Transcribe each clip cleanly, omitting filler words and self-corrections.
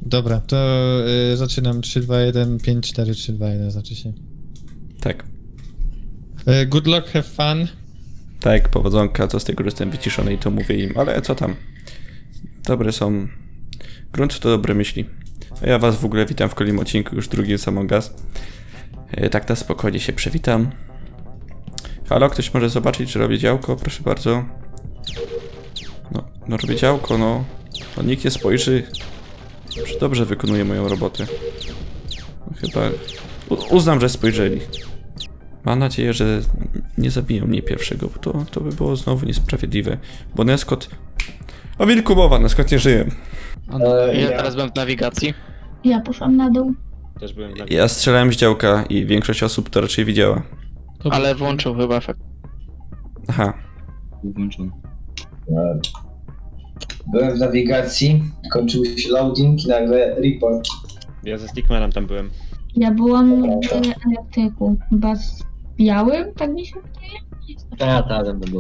Dobra, to zaczynam 3, 2, 1, 5, 4, 3, 2, 1 znaczy się. Tak. Good luck, have fun. Tak, powodzonka, co z tego, że jestem wyciszony i to mówię im, ale co tam? Dobre są. Grunt to dobre myśli. A ja was w ogóle witam w kolejnym odcinku, już drugim z Among Us. Tak na spokojnie się przywitam. Halo, ktoś może zobaczyć, że robię działko? Proszę bardzo. No robię działko, no. No nikt nie spojrzy. Że dobrze wykonuję moją robotę. No, chyba... Uznam, że spojrzeli. Mam nadzieję, że nie zabiją mnie pierwszego, bo to by było znowu niesprawiedliwe. Bo Neskot... O wilku mowa, Neskot nie żyje. Ja teraz byłem w nawigacji. Ja poszłam na dół. Też byłem na... Ja strzelałem z działka i większość osób to raczej widziała. Ale włączył chyba efekt. Aha. Włączony. Byłem w nawigacji, kończył się loading i nagle report. Ja ze Stickmanem tam byłem. Ja byłam w elektryku. Chyba z białym, tak mi się wydaje? Tak, tam było.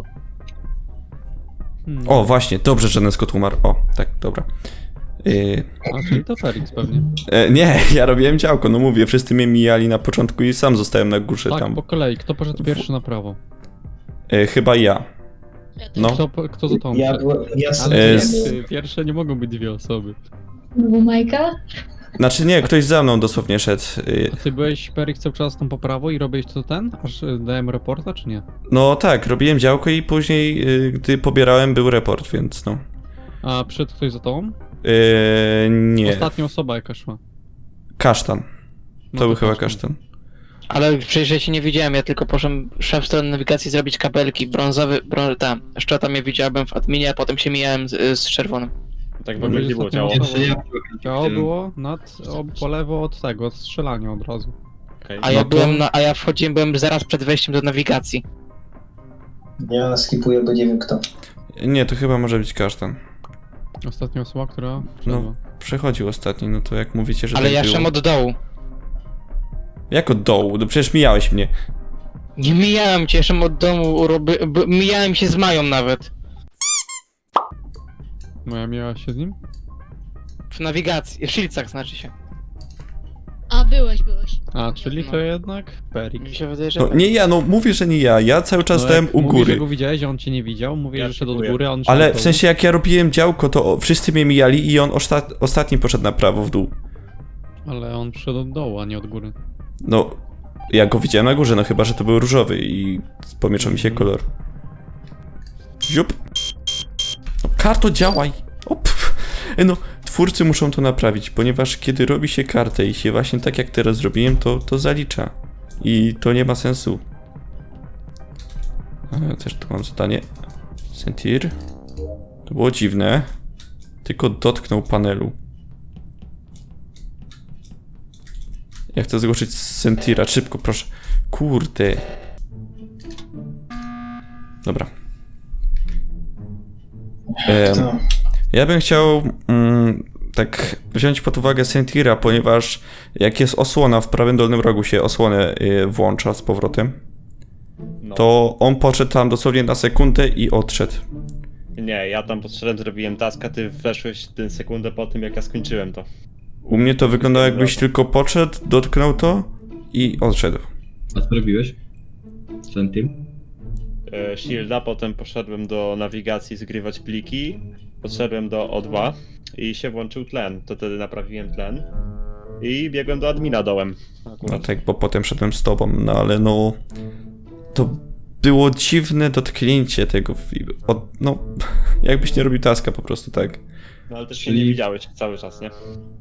O, właśnie, dobrze, że Neskot umarł. O, tak, dobra. A, czyli to Felix pewnie. Nie, ja robiłem działko, no mówię, wszyscy mnie mijali na początku i sam zostałem na górze Tak, tam. po kolei. Kto poszedł pierwszy na prawo? Chyba ja. No. Kto za tą Ja szedł? byłem, ja Ale z- pierwsze nie mogą być dwie osoby. Był Majka? Znaczy nie, ktoś za mną dosłownie szedł. A ty byłeś, Felix, cały czas tą po prawo i robiłeś to aż dałem reporta, czy nie? No tak, robiłem działko i później, gdy pobierałem, był report, więc no. A przyszedł ktoś za tobą? Nie. Ostatnia osoba jaka szła. Kasztan. No To był chyba kasztan. kasztan. Ale przecież ja cię nie widziałem, ja tylko poszedłem w stronę nawigacji zrobić kabelki. Brązowy, szczota mnie widziałem w adminie, a potem się mijałem z czerwonym. Tak w ogóle nie było ciało. Ciało było po lewo od tego, od strzelania od razu. Okay. A ja No to- byłem a ja wchodziłem, byłem zaraz przed wejściem do nawigacji. ja skipuję, bo nie wiem kto. Nie, to chyba może być kasztan. Ostatnia osoba, która wszedła. Przechodził ostatni, no to jak mówicie, że Ale tak ja było. szedłem od dołu. Jak od dołu? No przecież mijałeś mnie. Nie mijałem cię, szedłem od domu, mijałem się z Mają nawet. Moja miała się z nim? W nawigacji, w Shieldsach znaczy się. A, byłeś. A, czyli to jednak Mi Felix. się wydaje, że No nie ja, no mówię, że nie ja. Ja cały czas stałem jak u mówisz, że góry. go widziałeś, a on cię nie widział, mówię, Ja że szedł od skipuję. góry, a on szedł Ale od w dołu. sensie jak ja robiłem działko, to wszyscy mnie mijali i on ostatni poszedł na prawo w dół. Ale on przyszedł od dołu, a nie od góry. No, ja go widziałem na górze, no chyba, że to był różowy i pomieszał mi się kolor. Ziup. No, karto, działaj! O, no, twórcy muszą to naprawić, ponieważ kiedy robi się kartę i się właśnie tak jak teraz zrobiłem, to zalicza. I to nie ma sensu. Ja też tu mam zadanie. Sentir. To było dziwne. Tylko dotknął panelu. Ja chcę zgłosić Sentira, szybko, proszę. Kurde. Dobra. Kto? Ja bym chciał tak wziąć pod uwagę Sentira, ponieważ jak jest osłona, w prawym dolnym rogu się osłonę włącza z powrotem, No. to on podszedł tam dosłownie na sekundę i odszedł. Nie, ja tam podszedłem, zrobiłem task, a ty weszłeś tę sekundę po tym, jak ja skończyłem to. U mnie to wyglądało jakbyś tylko podszedł, dotknął to i odszedł. A co robiłeś? Sentir? Shielda, potem poszedłem do nawigacji zgrywać pliki, podszedłem do O2 i się włączył tlen. To wtedy naprawiłem tlen i biegłem do admina dołem. No tak, bo potem szedłem z tobą, no ale no... To było dziwne dotknięcie tego, no jakbyś nie robił taska po prostu, tak. No ale też się Czyli- nie widziałeś cały czas, nie?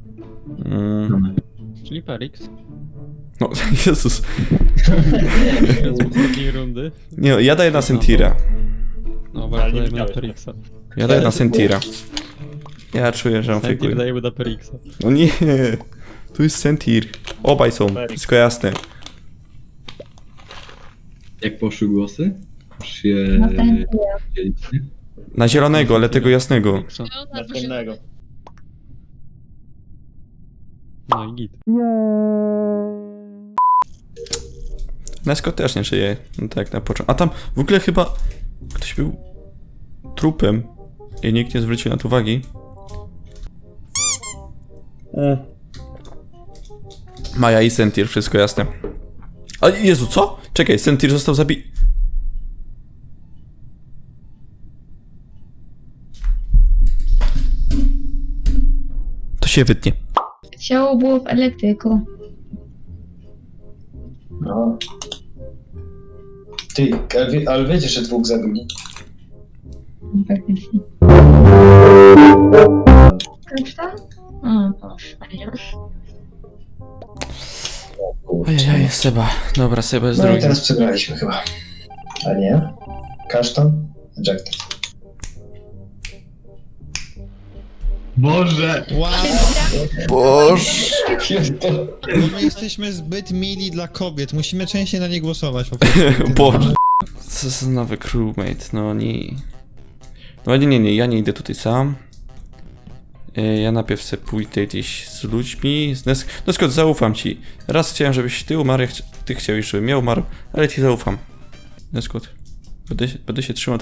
Czyli Felix. No, Jezus. Z poprzedniej rundy. Nie, no, ja daję na Sentira. No, Ale bardzo nie dajemy na widziałeś, Felixa. Ja daję na Sentira. Ja czuję, że on Sentir fejkuje. dajemy na Felixa. No nie, tu jest Sentir. Obaj są, wszystko jasne. Jak poszły głosy? Już się Na ten dzielicie? Na zielonego, ale tego jasnego. Felixa. Następnego. No i git. Nesko też nie żyje, no tak na początku. A tam w ogóle chyba ktoś był trupem i nikt nie zwrócił na to uwagi. Maja i Sentir, wszystko jasne. A Jezu, co? Czekaj, Sentir został zabity. To się wytnie. Ciało było w elektryku. No. Ty, ale wiecie, że dwóch zabili. Faktycznie. Kasztan? O, proszę. Ojej, Seba. Dobra, Seba jest No i drugi. teraz przegraliśmy chyba. A nie? Kasztan? Ejected. Boże! Wow, Boże. bo my jesteśmy zbyt mili dla kobiet, musimy częściej na nie głosować po prostu. Boże. Co za nowy crewmate, no nie. No nie, ja nie idę tutaj sam. Ja najpierw chcę pójdę gdzieś z ludźmi. No skąd zaufam ci. Raz chciałem, żebyś ty umarł, ty chciałeś, żebym ja umarł, ale ci zaufam. Neskot. Będę się trzymał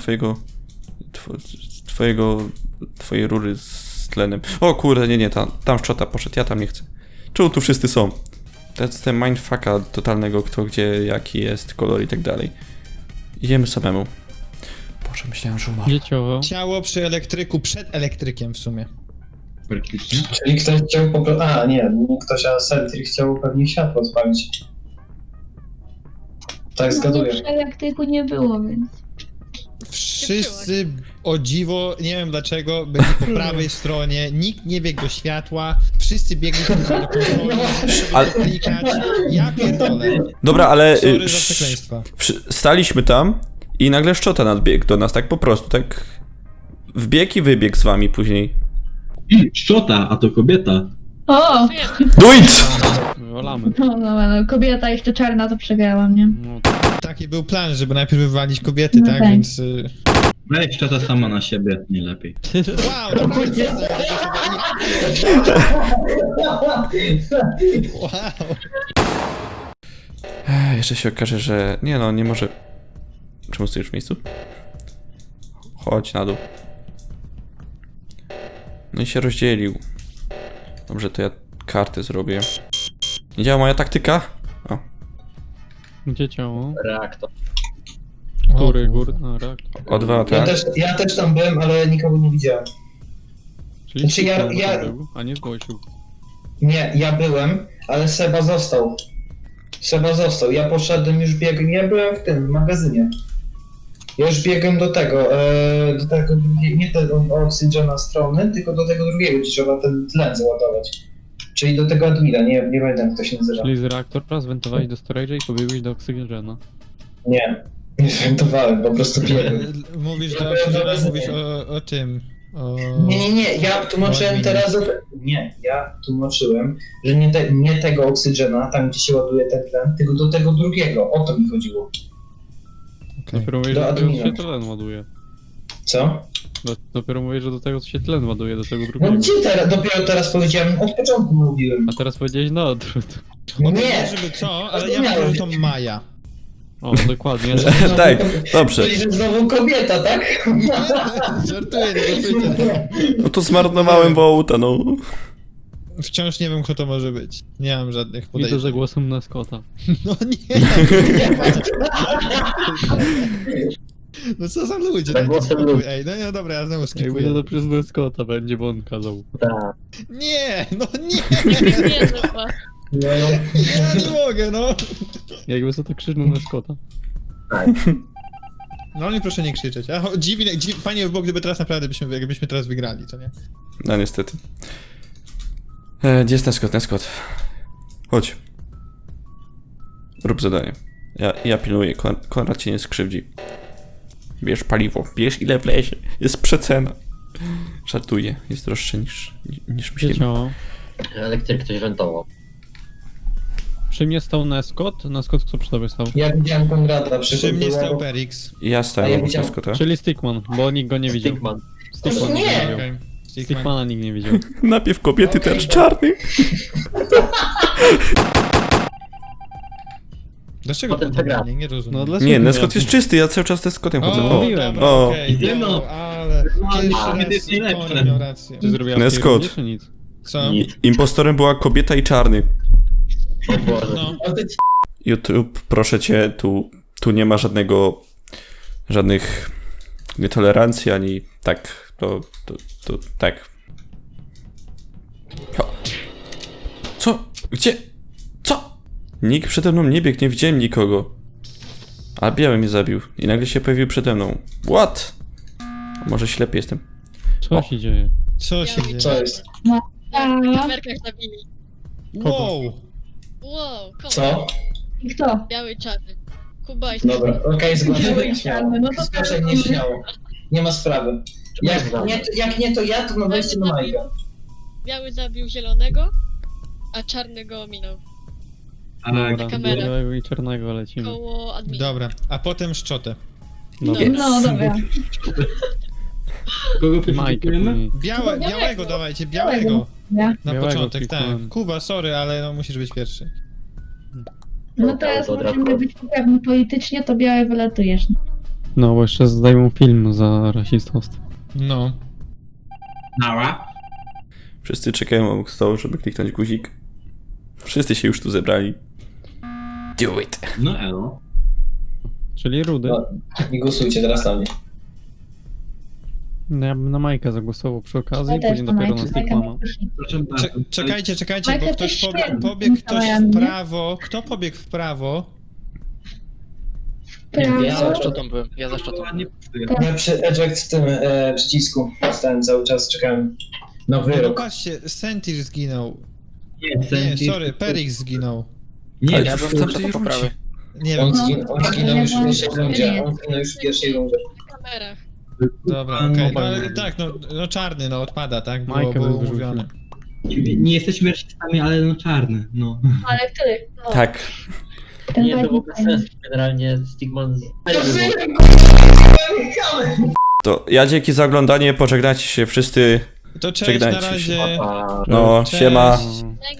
twojej rury z tlenem. O kurde, nie, tam szczota poszedł, ja tam nie chcę. Czemu tu wszyscy są? To jest ten mindfucka totalnego, kto gdzie, jaki jest, kolor i tak dalej. Idziemy samemu. Boże, myślałem, że umarł. Dzieciowo. Ciało przy elektryku, przed elektrykiem w sumie. Praktycznie. Czyli ktoś chciał po prostu... A, nie ktoś, a Sentir chciał pewnie światło odpalić. Tak, Nie, zgaduję. przy elektryku nie było, więc... Wszyscy, o dziwo, nie wiem dlaczego, byli po prawej stronie, nikt nie biegł do światła, wszyscy biegli tylko do konsoli, Ale- żeby klikać. Ja pierdolę. Dobra, ale Sorry za przekleństwa. staliśmy tam i nagle szczota nadbiegł do nas, tak po prostu, tak wbiegł i wybiegł z wami później. Szczota, a to kobieta. O! Do it! Wywalamy. No, kobieta jeszcze czarna, to przegrałam, nie? No, Taki był plan, żeby najpierw wywalić kobiety, No tak? tak. Więc... Weź szczota sama na siebie, nie lepiej. Wow, dokładnie. Wow. Jeszcze się okaże, że... Nie no, nie może... Czemu stoisz w miejscu? Chodź na dół. No i się rozdzielił. Dobrze, to ja kartę zrobię. Nie działa moja taktyka? O. gdzie ciało? Reaktor. Góry, no reaktor. O2, tak? Ja też tam byłem, ale nikogo nie widziałem. Czyli Znaczy, ja- był, a nie zgłosił. Nie, ja byłem, ale Seba został. Ja poszedłem, już biegłem, ja byłem w tym magazynie. Ja już biegłem do tego drugiego, nie tego oksygena strony, tylko do tego drugiego, gdzie trzeba ten tlen załadować. Czyli do tego admina, nie pamiętam jak to się nazywa. Czyli z reaktora zwentowałeś do storage'a i pobiegłeś do oksygena. Nie żartowałem, po prostu biegłem. Mówisz do oksygena, mówisz o tym. O... Nie, ja tłumaczyłem teraz ja tłumaczyłem, że nie tego oksygena, tam gdzie się ładuje ten tlen, tylko do tego drugiego, o to mi chodziło. okej. Dopiero mówisz, Do że do tego admina. się tlen ładuje. Co? Dopiero mówisz, że do tego się tlen ładuje, do tego No drugiego. gdzie teraz? Dopiero teraz powiedziałem, od początku mówiłem. A teraz powiedziałeś na odwrót. Nie, Nie! żeby co, ale ja mówię, że to Maja. O, dokładnie. Tak, dobrze. Czyli, że znowu kobieta, tak? Żartuję, nie głosujcie. No to zmarnowałem wołta, no. Wciąż nie wiem, kto to może być. Nie mam żadnych Widzę, podejrzeń. że głosem na Scotta. No nie! No co za ludzie? Tak taki głosem spokój. ludzi. Ej, no dobra, ja znowu Jak skipuję. będzie to przez na Scotta będzie, bo on kazał. Nie, no nie! Nie, zupa. Ja nie mogę, no! Jakby co to krzyczał na Scotta. No nie proszę nie krzyczeć. Fajnie by było, gdyby teraz naprawdę jakbyśmy teraz wygrali, co nie? No niestety. Gdzie jest ten Scott? Chodź. Rób zadanie. Ja pilnuję, Konrad cię nie skrzywdzi. Bierz paliwo, bierz ile wlezie. Jest przecena. Żartuję, jest droższe niż Gdzie myślimy. ciało? Elektryk ktoś wentował. Przy mnie stał Neskot, Neskot kto przy tobie stał? Ja widziałem Konrada, Przy mnie była- stał Perix. Ja A stałem ja obok widziałem- Scotta. Czyli Stickman, bo nikt go nie widział. Stickman. Stickman Nie! nikt nie widział. Okej. Stickman. Stickmana nikt nie widział. Napiew kobiety też czarny. Dlaczego Potem podobnie? przegramy. Nie rozumiem. No dlaczego? Nie, Neskot jest czysty, ja cały czas z Scottem chodzę. O, O, mówiłem. dobra, O. okej, Ty no. no, ale... No, Pierwszy kobiety raz jest najlepsze. Konrad miał rację. Czy zrobiła Neskot. czy nic? Co? Impostorem była kobieta i czarny. O Boże. No. YouTube, proszę cię, tu nie ma żadnych nietolerancji, ani tak, to tak. O. Co? Gdzie? Co? Nikt przede mną nie biegł, nie widziałem nikogo. A biały mnie zabił i nagle się pojawił przede mną. What? A może ślepy jestem? Co się dzieje? Co się dzieje? Co jest? Na kamerkach zabili. Wow! Wow, kogo? Co? I kto? Biały i czarny. Kuba i Dobra, okej, zgłaszaj nieśmiało. No to Zgłaszaj nieśmiało. Nie ma sprawy. Jak nie to ja, to na wejście do Majka. Biały zabił zielonego, a czarny go ominął. Dobra, kamera. białego i czarnego lecimy. Koło admina. Dobra, a potem szczotę. Dobra. No dobra. Kogo Majkę przeszukujemy? później. Białego dawajcie, białego. Ja. Na Białego początek, tak. kliknąłem. Kuba, sorry, ale no musisz być pierwszy. No teraz możemy być poprawni politycznie, to białe wylatujesz. No, bo jeszcze zdejmą film za rasistowstwo. No. Nara. Wszyscy czekają obok stołu, żeby kliknąć guzik. Wszyscy się już tu zebrali. Do it. No elo. Czyli Rudy. No. I głosujcie teraz na mnie. No, ja bym na Majkę zagłosował przy okazji, Ja też później dopiero na Majka Stickmana. Proszę bardzo. Czekajcie, Majka bo ktoś też świetnie. pobiegł ktoś Mikołaja, w nie? prawo. Kto pobiegł w prawo? Ja za Prawo. szczotą byłem, ja za szczotą. Ładnie pasuje. Ja przy eject w tym przycisku stałem cały czas, czekałem na No wyrok. patrzcie, Sentir zginął. Nie, Nie, Sentir- sorry, Perix zginął. Nie, Ale Ja w bym tamtej za to rundzie. poprawy. Nie wiem. On No, zginął już w ja pierwszej byłam- rundzie. On zginął już w pierwszej rundzie. Na kamerach. Dobra, okej. No ale tak, no czarny, no odpada, tak? Było, Majkę było bym wyrzucił. mówione. Nie jesteśmy rasistami, ale no czarny, no. Ale który? No, Tak. ten Nie, to w fajny, ogóle fajny. sens. Generalnie Stigman... To ja dzięki za oglądanie, pożegnajcie się wszyscy. To cześć, na Żegnajcie się. razie. No, Cześć. siema. No.